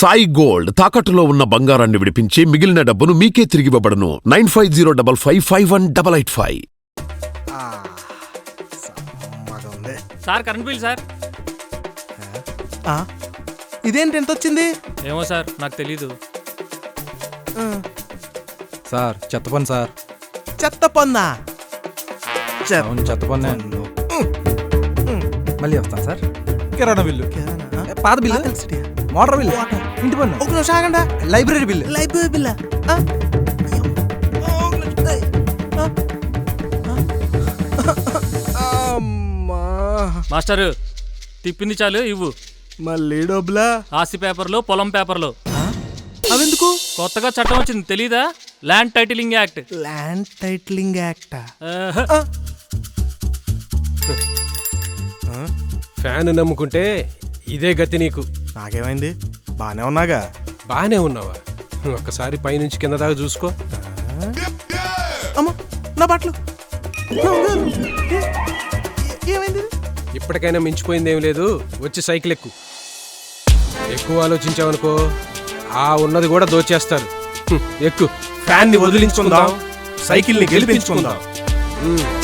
Sai gold తాకట్టులో ఉన్న బంగారాన్ని విడిపించి మిగిలిన డబ్బును మీకే తిరిగివ్వబడును. 9505551885. Sir current bill sir. ఇదేంటి ఎంత వచ్చింది? ఏమో సార్ నాకు తెలీదు. సార్ చెత్త పని సార్. చెత్త పన్నా? అవును చెత్త పన్నే. మళ్ళీ వస్తాను సార్. కిరాణా బిల్లు, పాత బిల్లు, మోటార్ బిల్లు, ఇంటి పన్ను, ఒక నిమిషం ఆగండి. Library bill. లైబ్రరీ బిల్లా? మాస్టరు తిప్పింది చాలు ఇవ్వు. మళ్ళీ డబ్బులా? ఆస్తి పేపర్లు, పొలం పేపర్లు. అవెందుకు? కొత్తగా చట్టం వచ్చింది తెలీదా? Land titling act. Land titling act? Fan నమ్ముకుంటే ఇదే గతి నీకు. నాకేమైంది? బానే ఉన్నాగా. బానే ఉన్నావా? ఒక్కసారి పైనుంచి కింద దాకా చూసుకో. అమ్మా నా బట్టలు. ఏమైంది? ఇప్పటికైనా మించిపోయిందేం లేదు, వచ్చి సైకిల్ ఎక్కు. ఎక్కువ ఆలోచించావనుకో ఆ ఉన్నది కూడా దోచేస్తారు. ఎక్కు. ఫ్యాన్ని వదిలించుకుందాం, సైకిల్ని గెలిపించుకుందాం.